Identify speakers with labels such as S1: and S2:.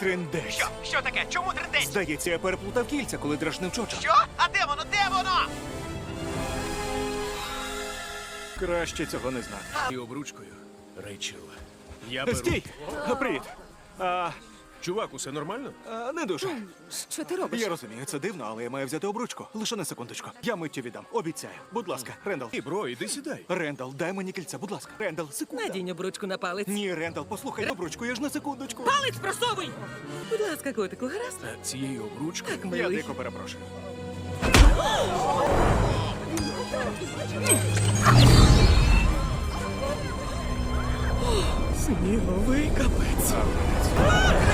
S1: Триндець.
S2: Що таке? Чому триндець?
S1: Здається, я переплутав кільця, коли дражнив Чоча.
S2: Що? А де воно? Де воно?
S1: Краще цього не знати.
S3: І обручкою, Рейчел. Я беру.
S1: Стій! Привіт.
S3: Чувак, усе нормально?
S1: Не дуже.
S4: Що ти робиш?
S1: Я розумію, це дивно, але я маю взяти обручку. Лише на секундочку. Я миттю віддам. Обіцяю. Будь ласка, Рендал.
S3: І, бро, іди сідай.
S1: Рендал, дай мені кільце, будь ласка. Рендал, секунду.
S4: Надінь обручку на палець.
S1: Ні, Рендал, послухай обручку, я ж на секундочку.
S4: Палець просовуй! Будь ласка, котику, гаразд?
S3: А цією обручкою
S4: Так,
S1: Я
S4: милий.
S1: дико перепрошую.
S4: Сніговий капець.